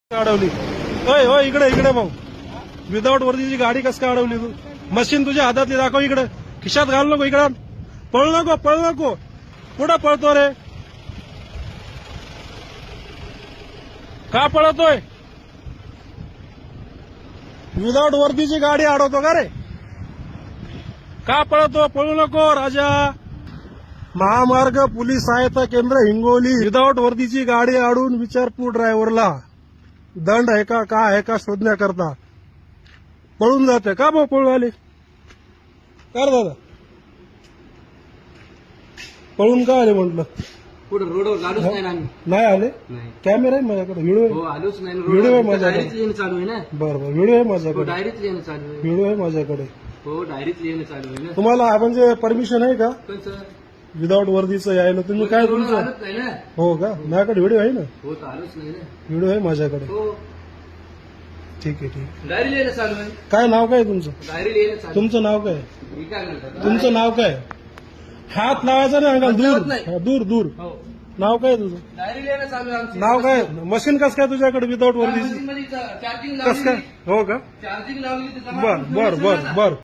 अडवली ओय होय इकडे इकडे भाऊ विदाऊट वर्दीची गाडी कस काय अडवली तू मशीन तुझ्या हातातली दाखव इकडे खिशात घाल नको इकडे पळू नको कुठं पळतो रे का पळतोय विदाऊट वर्दीची गाडी अडवतो का रे का पळतो पळू नको राजा महामार्ग पोलीस सहायता केंद्र हिंगोली विदाऊट वर्दीची गाडी अडवून विचारपूर ड्रायव्हरला दंड आहे का काय आहे का शोधण्याकरता पळून जाते का भाऊ पळू आले कर दादा पळून का आले म्हटलं पुढे रोडवर आलोच नाही ना आम्ही. नाही आले नाही. कॅमेरा आहे माझ्याकडे व्हिडिओ हो आहे आलोच नाही व्हिडिओ आहे माझ्याकडे. डायरीत लिहिणं चालू आहे ना बरं व्हिडिओ आहे हो माझ्याकडे डायरीत लिहिणं चालू आहे व्हिडिओ आहे माझ्याकडे हो डायरीत लिहिणं चालू आहे ना तुम्हाला म्हणजे परमिशन आहे का पण सर विदाऊट वर्दीचं यायला तुम्ही काय रोडवर तुमचं आलोच नाही ना हो का माझ्याकडे व्हिडिओ आहे ना हो तर आलोच नाही ना व्हिडिओ आहे माझ्याकडे हो ठीक आहे डायरी लिहिणं चालू आहे काय नाव काय तुमचं डायरी लिहिणं चालू तुमचं नाव काय आहे. मी काय म्हणतात तुमचं नाव काय हात लावायचा नाही अंकल दूर नाही. हा, दूर दूर हो नाव काय तुझं डायरी लिहिणं चालू आहे आमची नाव काय मशीन कस काय तुझ्याकडे विदाऊट वर्दीची चार्जिंग कस काय लावली हो का चार्जिंग लावली तर बर बर बर बर